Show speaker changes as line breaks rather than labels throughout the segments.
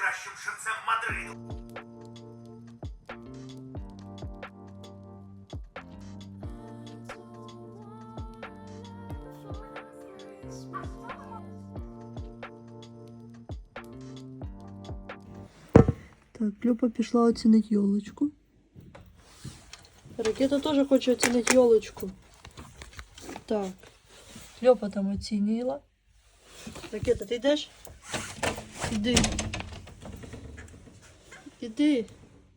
найкращим шевцем Мадриду.
Так, Люба пішла оцінити йолочку. Ракета теж хоче оцінити йолочку. Так. Люба там оцінила. Ракета, ти йдеш? Іди. Іди.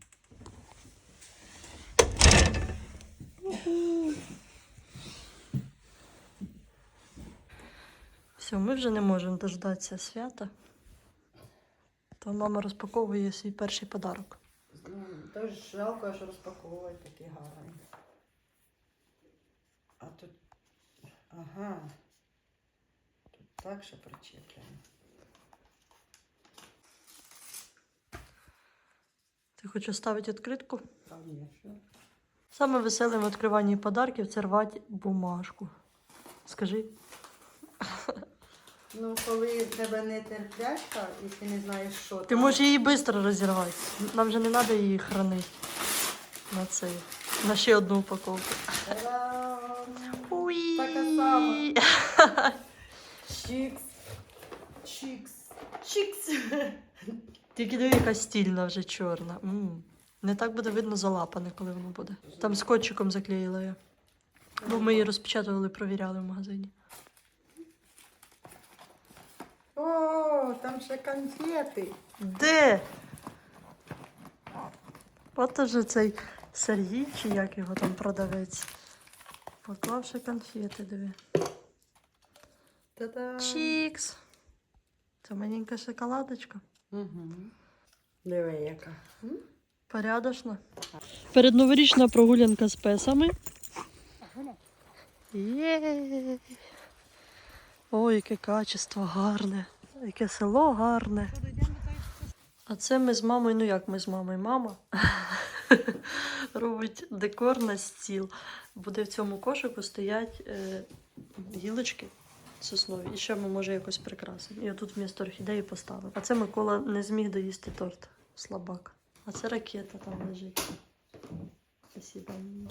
Все, ми вже не можемо дождатися свята. То мама розпаковує свій перший подарок.
Тож жалко, що розпаковувати такі гарні. А тут... Ага. Тут так ще причеплено.
Ти хочеш ставити відкритку?
Конечно.
Саме веселе в відкриванні подарків це рвати бумажку. Скажи.
Ну, коли в тебе не терплячка і ти не знаєш, що
Ти
там.
можеш її швидко розірвати. Нам же не треба її хранити на ще одну упаковку.
Та-дам!
Уї!
Така сама. Чікс. Чікс. Чікс.
Тільки диви, яка стільна вже чорна. Не так буде видно залапане, коли воно буде. Там скотчиком заклеїла я. Бо ми її розпечатували, провіряли в магазині.
О, там ще конфети.
Де? От уже цей Сергій, чи як його там продавець. Поклав ще конфети, диви.
Та-дам!
Чікс. Це маленька шоколадочка.
Угу. Диви, яка.
Порядочно. Передноворічна прогулянка з песами. Є. Ой, яке качество гарне. Яке село гарне. А це ми з мамою, ну як ми з мамою? Мама робить декор на стіл. Буде в цьому кошику стоять гілочки соснові. І ще ми, може, якось прикрасимо. І отут вмісто орхідеї поставив. А це Микола не зміг доїсти торт. Слабак. А це ракета там лежить. Спасибо.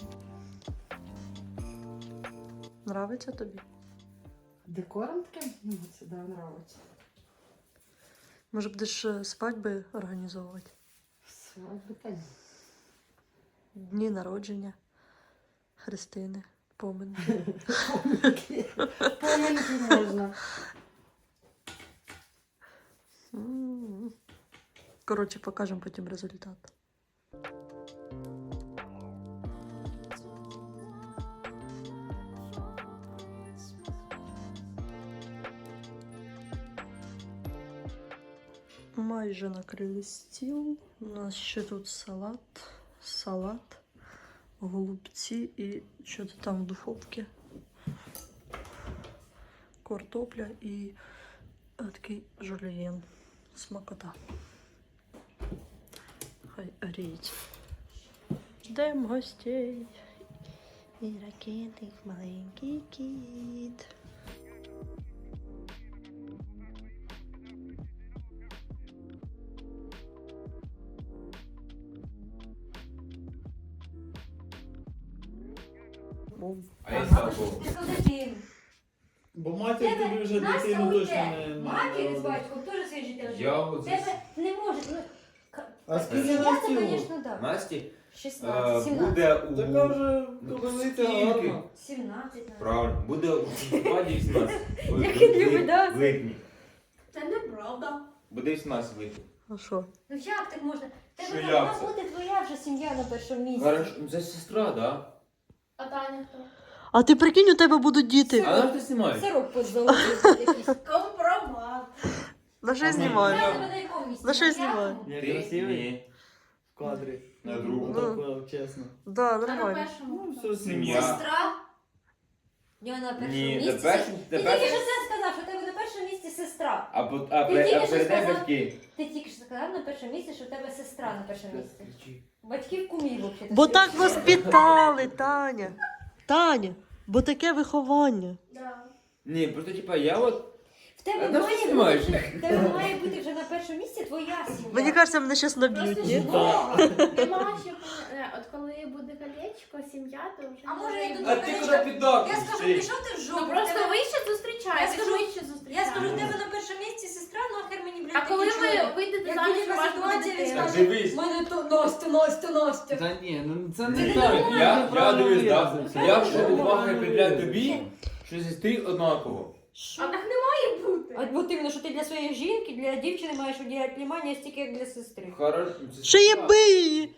Нравиться тобі?
Декором таким? Мені це да, нравиться.
Може, будеш свадьби організовувати?
Свадьби, та ні.
Дні народження Христини, поминки.
Поминки можна.
Коротше, покажемо потім результат. Майже накрили стіл. У нас ще тут салат, голубці і що-то там в духовці. Картопля і такий жульєн. Смакота. Хай гріють. Ждемо гостей. І ракети, маленький кіт.
А я слабо.
Бо матір тобі вже дитину точно не
Матір з батьком теж своє життя живе.
Я от
Тебе не може. Ну,
А скільки
я
нас
це,
тіло?
звісно, так.
Насті
16, 17.
буде у...
Така вже ковалиця
Скільки?
гарна.
17, навіть.
Правильно, буде у листопаді 18.
Як він любить, да?
В липні.
Це неправда.
Буде 18 в липні.
А що?
Ну як так можна?
Що
Тебе
як
повинна
це?
бути твоя вже сім'я на першому місці.
Хорошо, ну це сестра, да?
А Таня хто?
А ти прикинь, у тебе будуть діти.
А нам ти знімаєш?
Сирок позолотив якийсь. Компромат.
На що
Ага.
знімаю?
Я тебе на якому місці?
На що
На
знімаю?
п'ятому?
Я
Ти?
красивий
Ні.
в кадрі.
На другому.
Отак, чесно.
Да,
А на
нормально.
першому?
Ну, все
Сім'я.
Сестра? Я на першому
Ні,
місці.
на першому...
Ти тільки що це сказав, що в тебе на першому місці сестра.
А
Ти тільки що
перед тим
сказав-
батьки.
Ти тільки що сказав на першому місці, що в тебе сестра на першому місці. Батьків кумів взагалі.
Бо так воспитали, Таня. Таня, бо таке виховання.
Да.
Ні, просто типа я от...
тебе
А на що
має
знімаєш?
бути, в тебе має бути вже на першому місці твоя сім'я.
Мені кажеться, мене зараз наб'ють, ні?
Нема ще, от коли буде колечко, сім'я, то вже...
А може я тут
А ти куди піддав?
Я скажу, пішов ти в жопу.
Ну просто
тебе-
ви ще зустрічаєтесь,
Я скажу-
ви ще
Я
зустрічаєтесь.
скажу, в тебе на першому місці сестра, нахер мені, блядь,
А коли
такі
ви
чоловік?
вийдете
Як
заміж,
буде
у вас
ситуація,
буде
він
дитина.
скаже,
Дивись.
в мене то Настя.
Та ні, ну це
Це
не
не
так.
нормально.
Я дивлюсь, так? Я вже увагою приділяю тобі, що сестрі однаково.
А так не має бути.
От іменно, що ти для своєї жінки, для дівчини маєш уділяти внимання стільки, як для сестри.
Хорошо.
Ще єби її!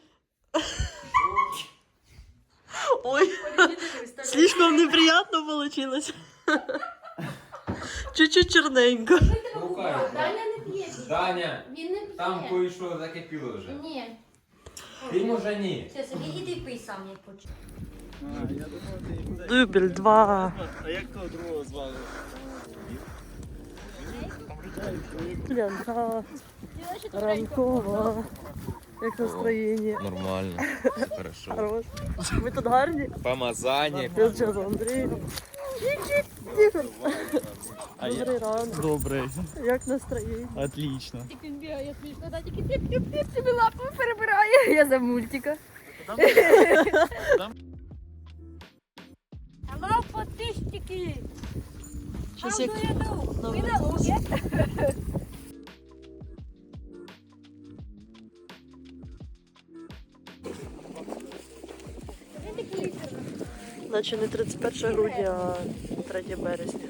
Ой, слишком неприятно получилось. Чуть-чуть черненько.
Слухай,
Даня не п'є.
Даня,
Він не
там
п'є.
кое-що закипіло вже.
Ні.
Ти може ні.
Все, собі іди пий сам, як хочеш.
Дубль 2.
А як того другого звали?
Янка. Ранкова. Як настроєння?
Нормально. Хорошо.
Хорош. Ви тут гарні?
Помазання.
Я зараз Андрій. Добрий ранок.
Добрий.
Як настроєння?
Отлично.
Він бігає смішно, да, тільки тип собі лапою перебирає. Я за мультика. Алло, подписчики!
Щас як...
Ви на лугі?
Наче не 31 грудня, а 3 березня.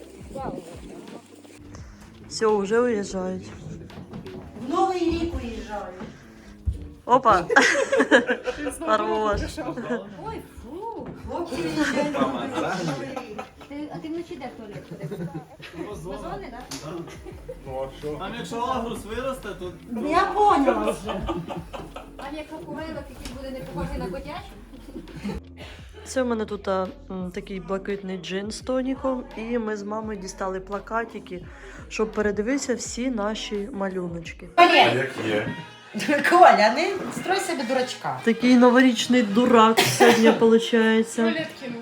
Все, вже уїжджають.
В Новий рік уїжджаю.
Опа! Хорош.
Ой, фу.
Хлопці виїжджають в Новий рік.
А ти вночі де в туалет ходив? Вазони, так?
Там якщо агрус виросте, то...
Я поняла вже.
А як курилок, який буде не похожий на котячий?
Це в мене тут такий блакитний джин з тоніком, і ми з мамою дістали плакатики, щоб передивитися всі наші малюночки.
А
Коля,
як є?
Коля, не строй себе дурачка.
Такий новорічний дурак сьогодні виходить.
Туалет кинув.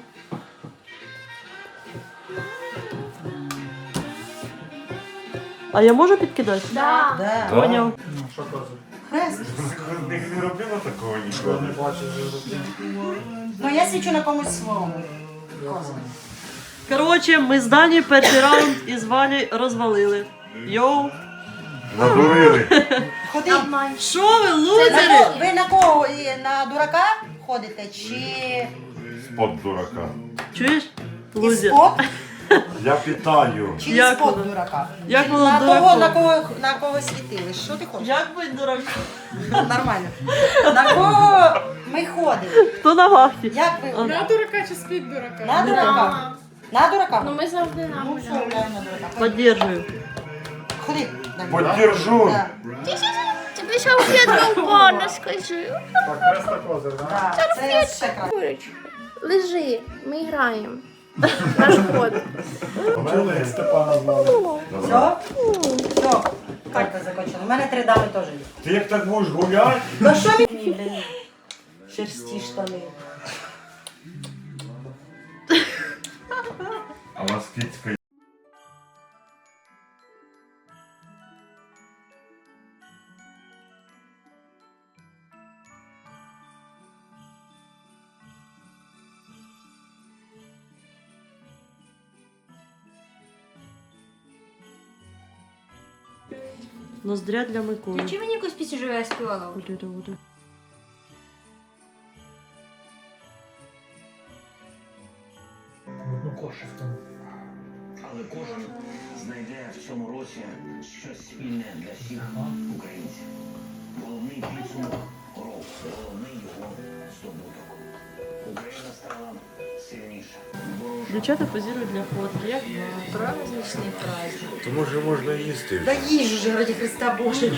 А я можу підкидати?
Да.
Да.
Поняв.
Хрест.
Не робила такого ніколи.
Ну я свічу на комусь своєму. Козому.
Коротше, ми з Дані перший раунд із Валі розвалили. Йоу.
Надурили.
Ходи.
Що ви,
На
лузери?
кого- Ви на кого? На дурака ходите? Чи
Спод дурака.
Чуєш?
із
Лузер.
спод?
Я питаю.
Чи
Як
із спод
воно?
дурака?
Як воно
На
дураком?
кого, на кого світили? Що ти хочеш?
Як бути дураком?
Нормально. На кого ми ходимо?
Хто на вахті?
Як ви?
На дурака чи спить дурака?
На дурака. На дурака?
Ну ми завжди на
Ну, все, гуляємо на дурака.
Поддержую.
Ходи. Дай.
Поддержу.
Да.
Тобі ще об'єднав пана, скажи.
Да. Це ще краще.
Лежи, ми граємо. Наш ход.
Степана звали.
Все? Все. Карта закончена. У мене 3 дами теж є.
Ти як так будеш гуляти?
Ну що мені? Блін. Шерсті штани.
А у вас кицька.
Ноздря для Миколи.
Включи мені якусь пісню, що я співала.
Але кожен знайде в цьому році щось спільне для всіх українців. Головний підсумок року, головний його здобуток. Україна стала сильніша.
Дівчата позирують для фотки. Як
Праздничний праздник.
То може можна їсти.
Да їж уже, раді Христа Боже.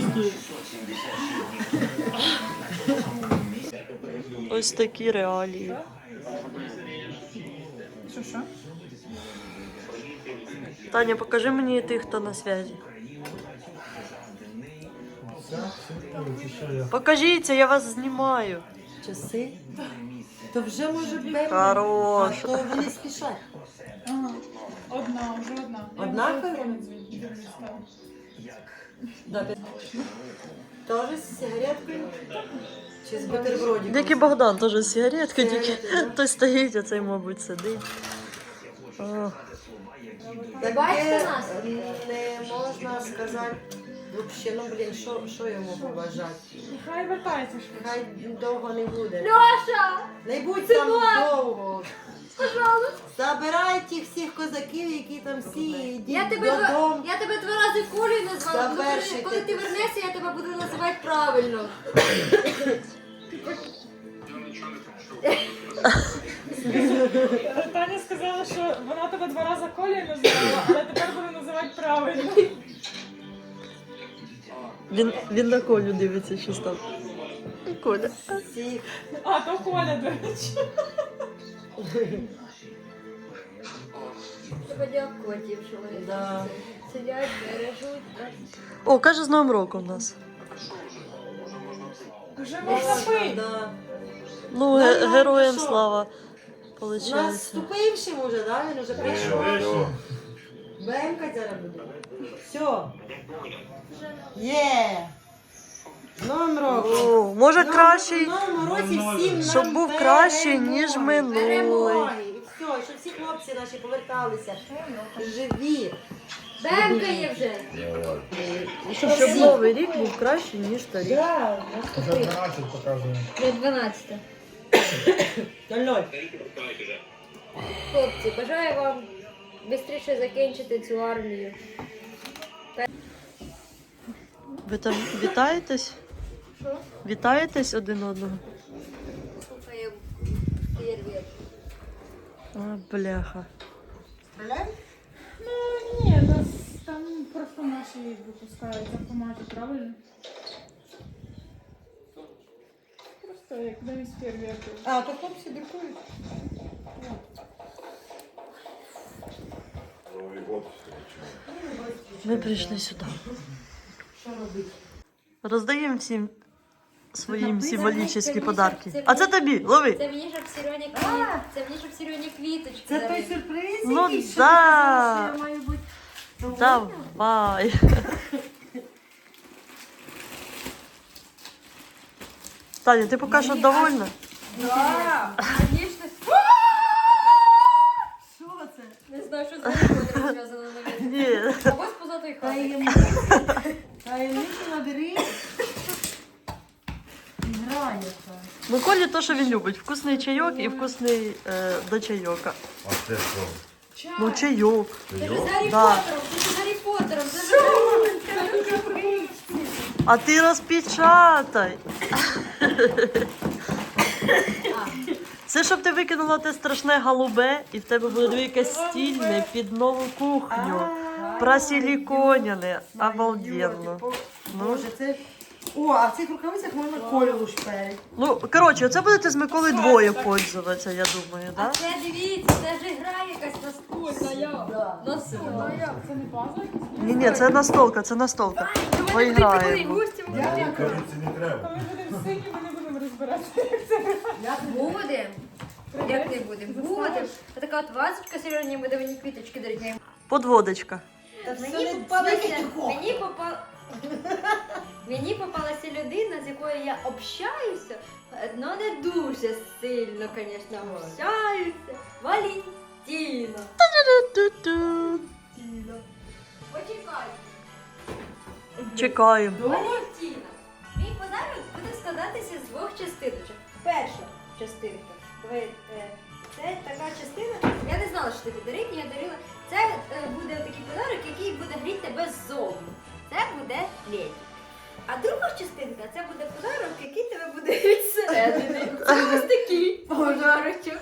ось такі реалії. Таня, покажи мені тих, хто на зв'язі. Покажіться, я вас знімаю.
Часи? То вже може бути.
Хорош.
А то вони спішать.
Одна, вже одна.
Однакові? Да, Тоже з сигареткою? Чи з бутербродиком?
Як і Богдан, теж з сигареткою, тільки
Сигарети, да?
той стоїть, а цей, мабуть, сидить. О,
Таке
Бачите нас?
не можна сказати. Взагалі, ну блін, що йому побажати?
Хай вертається швидше.
Хай довго не буде.
Льоша!
Не будь там довго. Забирай тих всіх козаків, які там всі, і йдіть додому.
Я тебе 2 рази Колею назвала, ну,
Завершуйте.
коли ти вернешся, я тебе буду називати правильно.
Таня сказала, що вона тебе 2 рази Колею називала, але тепер буде називати правильно.
він на Колю дивиться, що там. Коля.
Всіх.
А, то Коля, до речі.
Тебе дякую, що вони
Да.
сидять, бережуть.
О, каже, з Новим роком нас.
Вже можна пити.
Да.
Ну,
Нормально,
героям
що?
слава.
У
Получається.
нас вступившим уже, да? Він уже прийшов.
Все.
БМК зараз буде. Все. Є. З Новим роком.
О, може кращий,
В новому році всім нам
щоб був кращий, ніж
перемоги.
минулий.
Перемоги. І все, щоб всі хлопці наші поверталися. Живі.
Бемка є вже.
Щоб новий рік був кращий, ніж старий.
Да.
Вже 12 показує.
Вже 12.
0-0.
Хлопці, бажаю вам швидше закінчити цю армію.
Ви там вітаєтесь?
Що?
Вітаєтесь один одного?
Слухаємо фєрверк.
А, бляха.
Стріляємо?
Ну, ні, нас там просто наші випускають автомати, правильно? Просто як замість фейерверків.
А, то хлопці дикують.
Новий год.
Ми прийшли сюди.
Що робити?
Роздаємо всім своїм
Це
символічні
мені,
подарки.
це
А це тобі, лови.
Це мені, щоб Сірьоні це мені, щоб Сірьоні квіточки.
Це той
дарили.
сюрприз,
Ну
якийсь, що
да.
ти казала, що я маю бути довольна?
Давай. Таня, ти поки що довольна?
Да, звісно.
Що це?
Не знаю, що з ним зв'язано на мене.
Ні.
Або з позатої хати.
Таємницю набери. Гра яка.
Миколі то, що він любить. Вкусний чайок і вкусний до чайока.
А це що?
Ну, чайок.
Це ж з Гаррі
Да.
Поттером, це ж з Гаррі Поттером. Це ж
А ти розпечатай. Це щоб ти викинула те страшне голубе, і в тебе буде якесь стільне під нову кухню. Просиліконяне. Обалденно.
Боже, це... О, а в цих рукавицях можна Колю лушперить.
Ну, коротше, оце будете з Миколою двоє пользуватися, я думаю,
А
так?
це дивіться, це ж гра якась настольна. Настольна.
Це не пазл?
Ні, це настолка, це настолка. Поіграємо.
Кажеться, не треба.
Коли будемо сині, ми не будемо розбиратися, як це грати.
Будем. Як не будемо? Будем. Така от вазочка Сірьоні буде мені квіточки дарити.
Подводочка.
Мені попалася людина, з якою я общаюся, але не дуже сильно, звісно, общаюся. Валентина.
Ту-ту.
Почекай.
Чекаємо.
Валентина. Мій подарунок буде складатися з 2 частиночок. Перша частинка. Це така частина. Я не знала, що тобі дарить, я дарила. Це буде такий подарунок, який буде гріти тебе ззовні. Це буде леді. А друга частинка це буде подарунок, який тебе буде гріти зсередини. Це ось такий подарунок.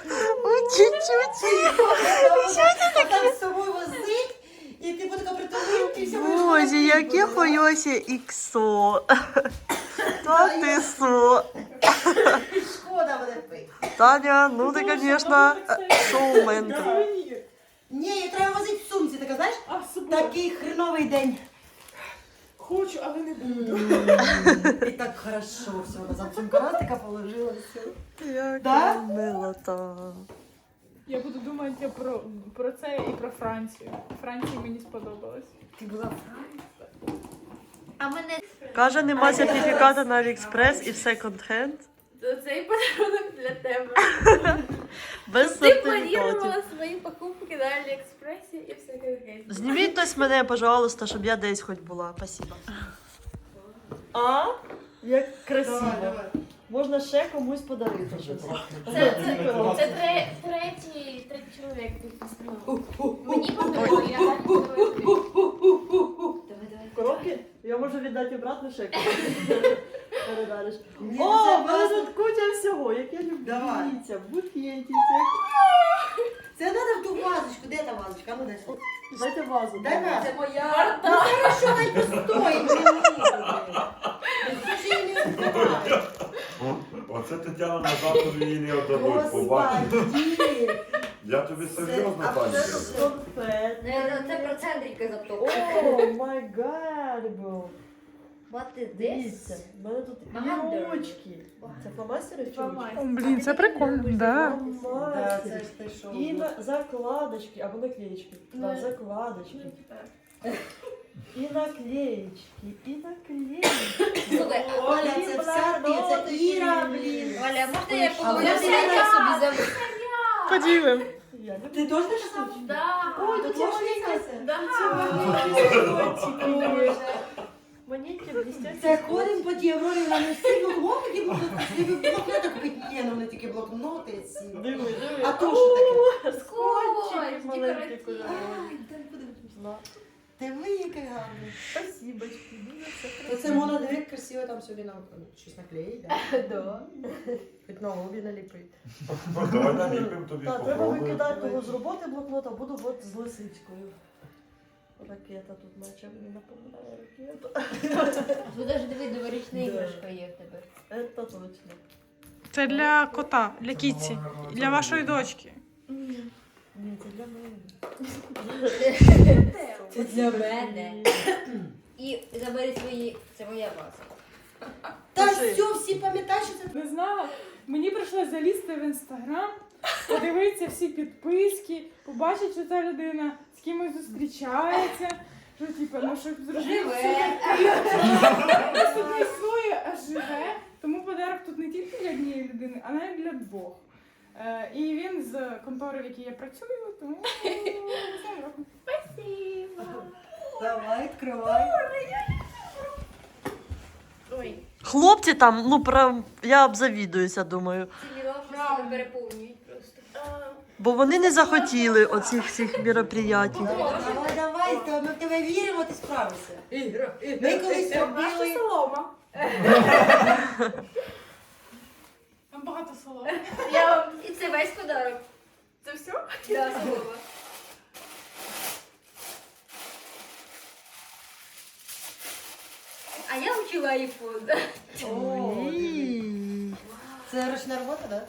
А там з собою возить, і ти буде така притулинка, і все будеш
Боже, яке хойося іксо. Та ти со.
шкода буде пити.
Таня, ну ти, звісно, шоуменка.
Сувенір.
Ні, її треба возити в сумці, ти казаєш?
А з собою?
Такий хреновий день.
Хочу, але не буду.
І так хорошо все, назад сумка раз така положила, все.
Яка
Да?
милота.
Я буду думати про це і про Францію. Франції мені сподобалось.
Ти була в Франції? А мене...
Каже, нема сертифіката на Аліекспрес і в секонд-хенд.
Цей подарунок для тебе.
Без
Ти
сертифікатів.
планувала свої покупки на Аліекспресі і все таке.
Зніміть хтось мене, пожалуйста, щоб я десь хоч була. Спасибо. А? Як красиво.
Давай.
Можна ще комусь подарити щось.
Це третій чоловік підписав. Мені подарували, я далі подарую.
Коробки? Я можу віддати обратно ще комусь. Передариш.
Ні,
О,
це
в мене
просто-
тут куча всього, як я люблю.
Давай.
Дивіться, букетики.
Це треба в ту вазочку. Де та вазочка? Ну, дай сюди.
Дайте вазу.
Дай вазу.
Це моя...
Ну, хорошо, дай постоїть. Хто ж її не відкриває?
Оце Тетяна назад тобі її не віддадуть. Побачиш.
Господи.
Я тобі серйозно,
Це
пані.
абсолютно
Конфет.
Це про центрика
О,
заптовка.
май гад, бро.
What is
Дивіться,
this?
в мене тут
Багато.
ручки. Це фломастери чи ручки?
Блін, це прикольно, да.
Да, це ж ти що?
І на закладочки, або наклеечки. Да, закладочки. І наклеечки, і наклеечки.
Слухай,
Оля, це все ти, це Іра, блін.
Оля, можна я
А
поговорю?
ви
Я
знаєте,
собі забуду.
Поділим.
Я люблю.
Ти теж написав?
Да.
Ой, тут ложниця.
Да.
Монетки блістять.
Це ходимо по тій Аврорі, вони всі блокноти, блокноти купити. Ні, ну вони тільки блокноти ці.
Диви, диви.
А то що таке?
Скотчики маленькі
декоративні.
кольорові.
Диви, яке гарне.
Спасибочки, дуже все
То це можна дивити красиво там собі на щось наклеїть, да? Хоч на обі наліпити.
Давай наліпимо тобі,
Так, треба
попробуємо.
викидати того з роботи блокнота, буду от з лисичкою. Ракета тут наче мені напоминає ракету.
Тут навіть диви, новорічна
Да.
іграшка є в тебе.
Це точно.
Це для кота, для кітці, для вашої дочки.
Ні, це для мене.
Це для мене. І забери свої... Це моя база.
Та все, всі пам'ятають, що це...
Не знала. Мені прийшлося залізти в інстаграм, подивитися всі підписки, побачити, що ця людина з кимось зустрічається. Що типу, ну щоб зробити все просто не існує, а живе. Тому подарок тут не тільки для однієї людини, а навіть для двох. І він з контори, в якій я працюю, тому
Спасибо.
Давай, відкривай.
Ой.
Хлопці там, ну прям, я обзавідуюся, думаю.
Ці мілошки переповнюють просто.
Бо вони не захотіли оцих всіх мероприятій.
Давай, давай, то ми в тебе віримо, ти справишся. Ми колись
Наша
робили...
солома.
там багато соломи.
І це весь подарок.
Це все?
Да, солома. А я вчила айфон.
Ой.
Це ручна робота, так?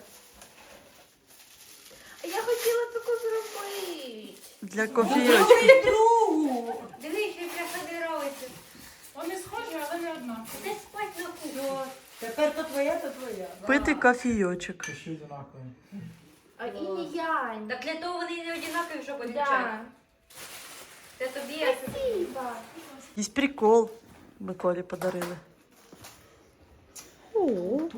Я хотіла таку зробити.
Для кофійочки.
Другу!
Дивись, як я собиралася.
Вони схожі, але не одна.
Де спать на кухні?
Тепер то твоя, то твоя.
Пити кофійочок.
Ще одинакові.
А і не я.
Так для того вони не однакові, щоб
Да.
відчати. Це тобі, а це тобі.
Спасибо.
Є прикол. Миколі подарили. О,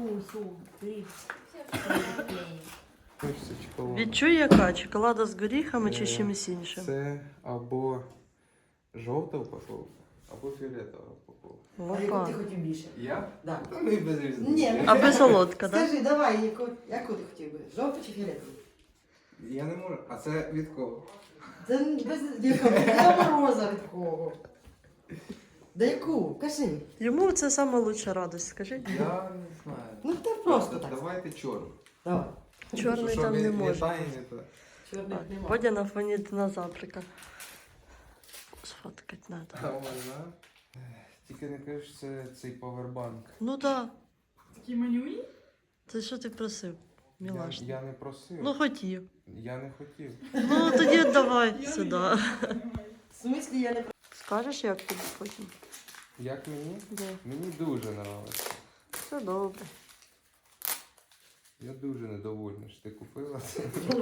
відчуй яка? Чоколада з горіхами чи з чимось іншим?
Це або жовта упаковка, або фіолетова упаковка.
А яку
Опа.
ти хотів більше?
Я?
Да.
Ну і без різниці.
Ні,
Аби солодка, так?
Скажи, давай, яку ти хотів би? Жовту чи фіолетову?
Я не можу. А це від кого?
Це без якого мороза від кого? Да яку? Кажи.
Йому це сама лучша радость, скажи.
Я не знаю.
Ну ти просто так.
Давайте чорну.
Давай.
Чорний там не може.
Літає не то.
Чорних нема.
Бодя на фоні динозаврика. Сфоткать надо.
А вона? Тільки не кажеш, це цей павербанк.
Ну так.
Такі манюні.
Це що ти просив? Мілаш.
Я не просив.
Ну хотів.
Я не хотів.
Ну тоді давай сюди.
В смислі я не...
Скажеш, як тобі потім?
Як мені?
Да.
Мені дуже подобається.
Все добре.
Я дуже недовольна, що ти купила це.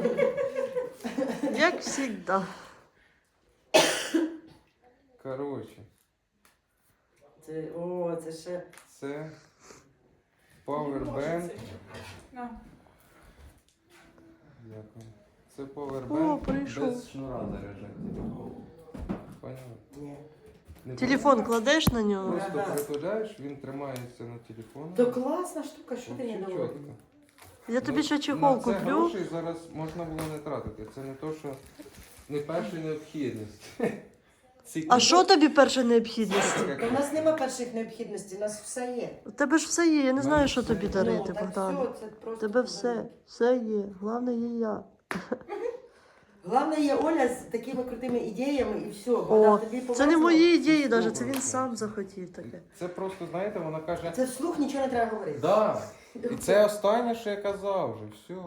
Як завжди.
Коротше,
Це ще...
це Powerbank.
На.
Дякую. Це
О,
Powerbank
прийшов.
без шнура заряджати. Поняла?
Ні.
Не
Телефон кладеш на нього?
Просто притуляєш, він тримається на телефоні.
То класна штука, що ти
Вообще
не
чітко.
доводила?
Я тобі ще
На
чехол
це
куплю.
грошей зараз можна було не тратити. Це не то, що не перша необхідність.
А що тобі перша необхідність?
Та у нас нема перших необхідностей, у нас все є.
У тебе ж все є, я не знаю, що тобі дарити,
Ну, так
Богдан.
все, це
У
просто
тебе все є. Головне є я.
Головне є Оля з такими крутими ідеями і все.
О,
тобі
це не
повезло.
мої ідеї навіть, це
Добре,
він
все.
сам захотів таке.
Це просто, знаєте, вона каже.
Це вслух нічого не треба говорити.
Да. І це останнє, що я казав вже. Все.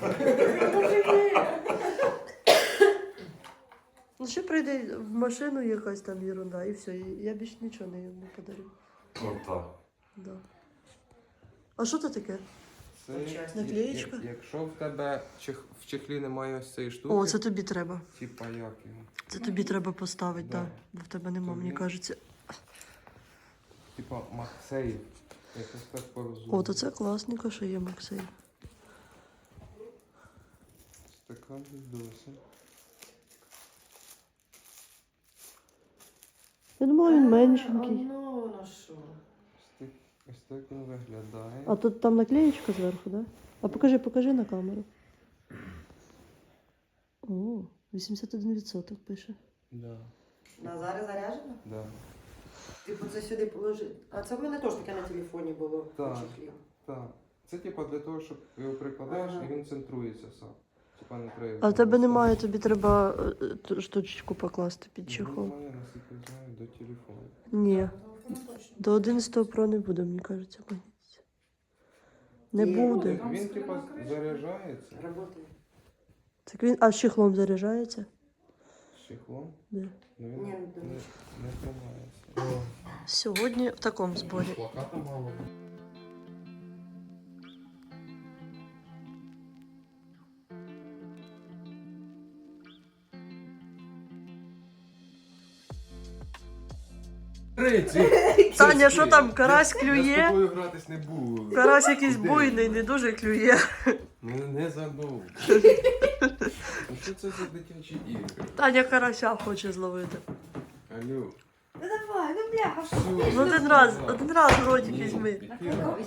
Ну ще прийде в машину якась там ерунда і все. І я більше нічого не йому подарю.
Отак.
Да. А що це таке?
Це
Наклеєчка?
Якщо в тебе в чехлі немає ось цієї штуки,
О, це тобі треба.
типа як його.
Це тобі треба поставити,
Да.
так. Бо в тебе нема,
Тобі.
мені кажеться.
Типа Максей. Якось так порозуміло.
О, то це класненько, що є Максей.
Стакан відоси.
Я думала, він меншенький.
Ну, на що?
Ось так він виглядає.
А тут там наклеєчка зверху, да? А покажи на камеру. О, 81% пише.
Да.
Назари заряджено?
Да.
Типу це сюди положити. А це в мене теж таке на телефоні було.
Так.
на чехлі.
Так. Це типа для того, щоб його прикладаєш
Ага.
і він центрується сам. Типа не треба.
А в тебе немає, тобі треба штучку покласти під чехол.
Немає, наскільки знаю, до телефону.
Ні,
Ну,
до 11 Pro не буде, мені кажеться. Не
Ні.
буде.
Він типа заряджається
Работає.
Так він, а з чехлом заряджається?
з чехлом,
Да.
але він
Ні,
не тримається.
Сьогодні в такому зборі.
Плаката мало.
Таня, що там, карась
Я з
клює?
тобою гратись не буду.
Карась якийсь буйний, не дуже клює.
Мене не забув. Ну що це за дитячі ігри?
Таня карася хоче зловити.
Алло.
Ну давай, ну бляха, що?
Все.
Ну один раз в ротик візьми.
Пікіра.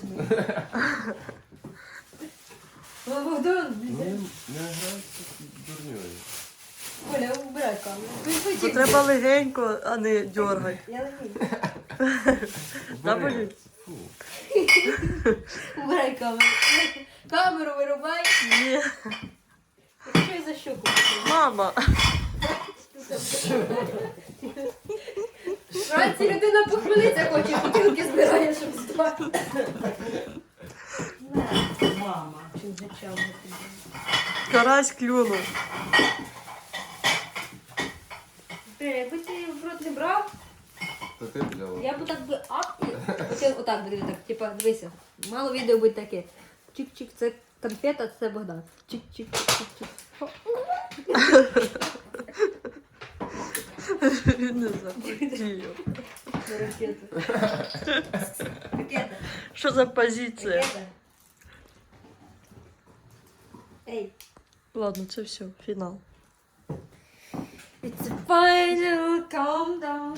Богдан,
Не грайся дурньою.
Оля, убирай камеру.
Бо треба легенько, а не дьоргати.
Я легенько.
Да,
Бери.
Полін?
Фу.
Убирай камеру. Камеру вирубай.
Ні.
Що я за щоку?
Мама.
Вранці людина похмелиться хоче, бутилки збирає, щоб здати.
Мама.
Чим зачав?
Карась клюнув.
Якби ти в рот не брав,
Та ти взяла.
я б так би ап і хотів отак би так, типа, дивися, мало відео буде таке. Чик-чик, це конфета, це Богдан. Чик-чик-чик-чик-чик.
Він не захотів.
На ракету. Ракета.
Що за позиція?
Ракета. Ей.
Ладно, це все, фінал.
It's a final countdown.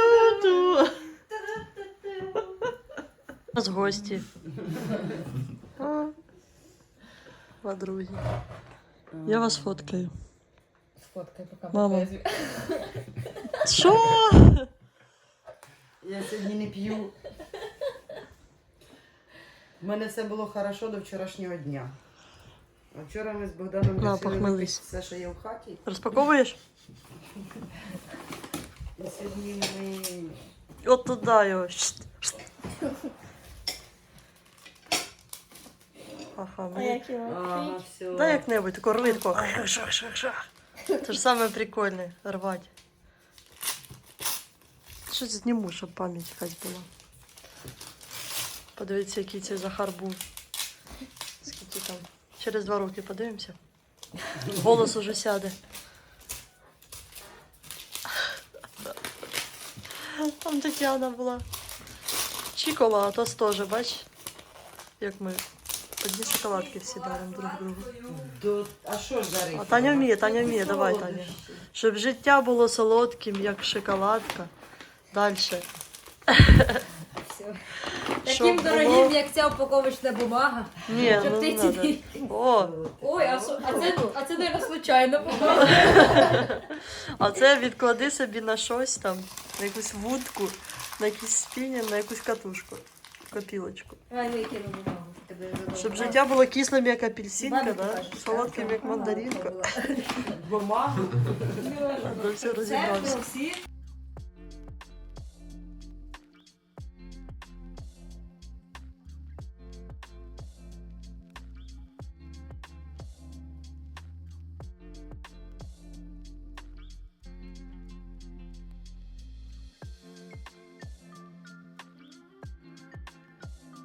У нас гості. А, подруги. Я вас фоткаю.
Сфоткай, поки
Мама. Що?
Я сьогодні не п'ю. У мене все було хорошо до вчорашнього дня. А вчора ми з Богданом
На,
вирішили
похмелись.
випити все, що є в хаті.
Розпаковуєш?
І сьогодні ми...
От туди його. Ага, мені.
Ага, все.
Дай як-небудь, тако рви, тако. Це ж саме прикольне, рвати. Щось зніму, щоб пам'ять якась була. Подивіться, який цей Захар був. Скільки там. Через 2 роки подивимося. Голос уже сяде. Там Тетяна була. Чікола, а то теж, бач, як ми одні шоколадки всі даримо друг другу.
А що ж жарити?
А Таня вміє, давай, Таня. Щоб життя було солодким, як шоколадка. Дальше.
Все. Таким
Щоб
дорогим,
було-
як ця упаковочна бумага.
Ні,
Щоб
ну
ти
не надо.
ці-
О,
Ой, це, наверное, случайно попало.
а це відклади собі на щось там, на якусь вудку, на якийсь спінінг, на якусь катушку, копілочку.
А, ну, я кину бумагу. Тебе задовго.
Щоб життя було кислим, як апельсинка,
Мамі
да?
покажеш,
Солодким,
так?
як мандаринка.
Бумагу.
До всього
Це
розібрався.
ми всі